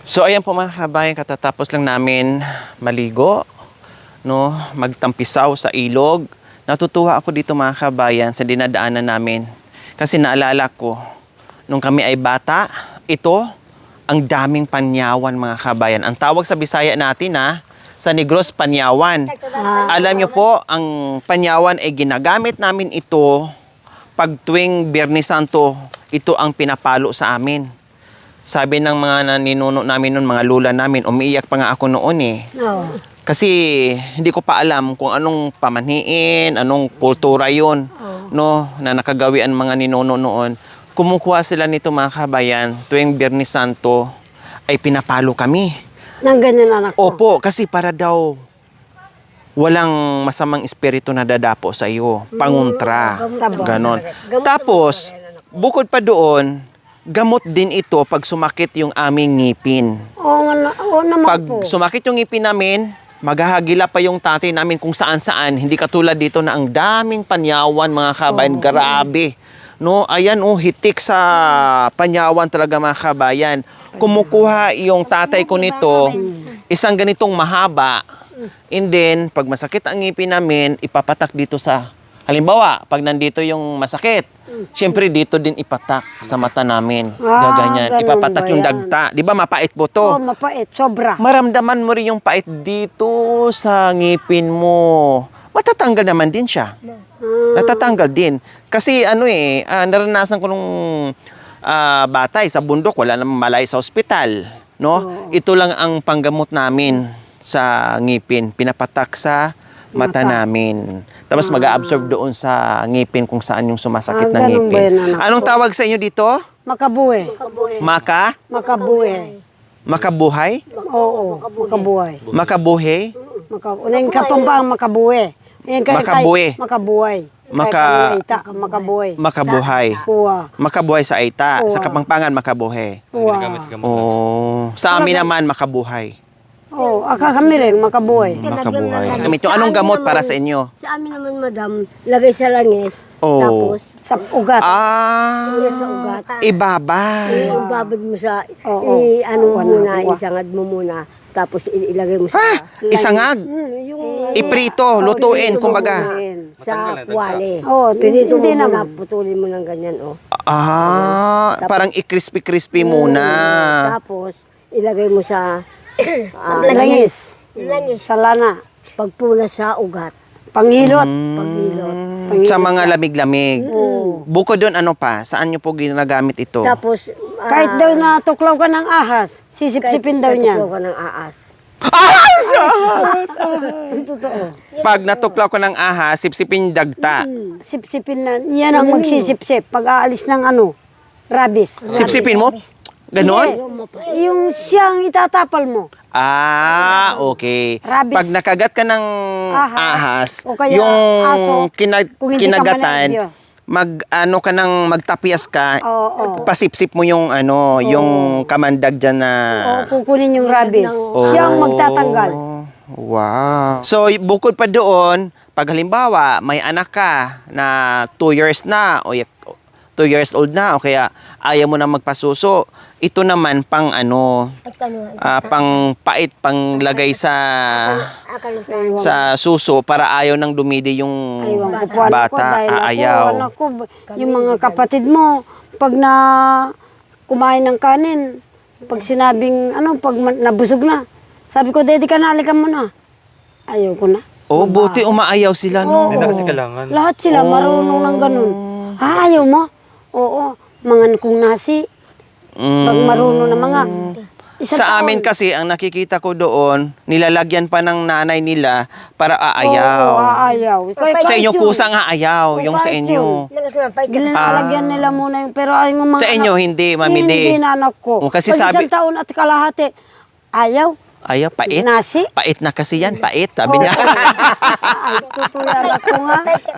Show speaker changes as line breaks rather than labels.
So ayan po mga kabayan, katatapos lang namin maligo, no, magtampisaw sa ilog. Natutuwa ako dito mga kabayan sa dinadaanan namin. Kasi naalala ko, nung kami ay bata, ito, ang daming panyawan mga kabayan. Ang tawag sa Bisaya natin sa Negros, panyawan. Alam nyo po, ang panyawan ay ginagamit namin ito pag tuwing Biyernes Santo, ito ang pinapalo sa amin. Sabi ng mga ninuno namin noon, mga lula namin, umiiyak pa nga ako noon
Oo.
Kasi hindi ko pa alam kung anong pamanhiin, anong kultura yun, no, na nakagawian mga ninuno noon. Kumukuha sila nito mga kabayan, tuwing Biyernes Santo ay pinapalo kami.
Nang ganyan anak ko.
Opo, kasi para daw walang masamang espiritu na dadapo sa iyo, panguntra, ganon. Tapos, bukod pa doon, gamot din ito pag sumakit yung aming ngipin.
Oo naman
Pag
po.
sumakit yung ngipin namin, maghahagila pa yung tatay namin kung saan-saan. Hindi katulad dito na ang daming panyawan mga kabayan. Grabe. No, ayan hitik sa panyawan talaga mga kabayan. Kumukuha yung tatay ko nito, isang ganitong mahaba. And then, pag masakit ang ngipin namin, ipapatak dito sa, halimbawa, pag nandito yung masakit, siyempre dito din ipatak sa mata namin. Gaganyan.
ganun
Ipapatak
ba
yung
yan?
dagta. Di ba mapait po to?
Oo, mapait. Sobra.
Maramdaman mo rin yung pait dito sa ngipin mo. Matatanggal naman din siya. Natatanggal din. Kasi naranasan ko nung bata sa bundok, wala namang malay sa ospital. No? Ito lang ang panggamot namin sa ngipin. Pinapatak sa mata namin. Tapos mag-a-absorb doon sa ngipin kung saan yung sumasakit na
ganun ba
ngipin.
yun, anak
Anong
ko?
tawag sa inyo dito?
Makabuhay. Makabuhay.
Makabuhay?
Oo, makabuhay.
Makabuhay?
Unang kapambang makabuhay.
Makabuhay.
Makabuhay. Makabuhay.
Makabuhay.
Kuha.
Makabuhay sa Aita. Sa
Uwa.
Kapampangan, makabuhay.
Kuha.
Oh, sa amin naman, makabuhay.
Oo, kami rin, makabuhay.
Makabuhay. Amit yung anong gamot para sa inyo?
Sa amin naman, madam, lagay sa langis.
Oh.
Tapos,
Sa ugat.
sa ugat.
Ibabay.
Ibabad mo sa,
Oo.
ano
Wala,
muna,
wala.
isangad mo muna. Tapos ilagay mo sa,
Isangag.
yung
Iprito, lutuin, kumbaga.
sa wali.
Oo,
Pinito mo
hindi
muna,
naman.
putulin mo ng ganyan,
Parang i-crispy-crispy muna.
Tapos, ilagay mo sa,
Langis. Sa lana.
pagpula sa ugat.
Panghilot.
Paghilot.
Sa mga lamig-lamig.
Oo.
Bukod doon, ano pa? Saan nyo po ginagamit ito?
Tapos,
Kahit daw natuklaw ka ng ahas, sisip-sipin daw niyan.
ka ng aas.
Ang totoo.
Pag natuklaw ko ng ahas, sipsipin yung dagta.
Sipsipin na. Yan ang magsisipsip pag aalis ng rabies.
Sipsipin mo? Ganon?
Hindi. Yung siyang itatapal mo.
Okay.
Rabies.
Pag nakagat ka ng ahas,
O kaya
yung
aso, kung hindi ka
kinagatan,
manervyos.
magtapyas ka,
Oo.
pasipsip mo yung yung kamandag dyan na...
O kukunin yung rabies. Siyang magtatanggal.
Wow. So, bukod pa doon, pag halimbawa, may anak ka na 2 years na, o 2 years old na, o kaya ayaw mo na magpasuso, ito naman pang pang pait, pang lagay sa suso para ayaw nang dumidi yung
Aywan ko po anak ko
bata,
dahil
aayaw.
anak ko, yung mga kapatid mo, pag kumain ng kanin, pag sinabing, pag nabusog na, sabi ko, Daddy ka na, halika mo na. Ayaw ko na.
Oh, buti umaayaw sila, no?
Oo. Lahat sila marunong ng ganun. Ayaw mo? Oo. Mga kung nasi. Pag marunong na mga isang
Sa
taon.
amin kasi, ang nakikita ko doon, nilalagyan pa ng nanay nila para aayaw.
Oo, aayaw.
Sa inyo kusang aayaw, yung sa inyo.
Ginalagyan nila muna yung, pero ay mga
Sa inyo, hindi, Mami D.
Hindi na anak ko.
O, kasi
Pag
sabi-
isang taon at kalahati, ayaw.
Ayaw, pait.
Nasi.
Pait na kasi yan, pait. Sabi niya.
Ay, tutulan ako nga.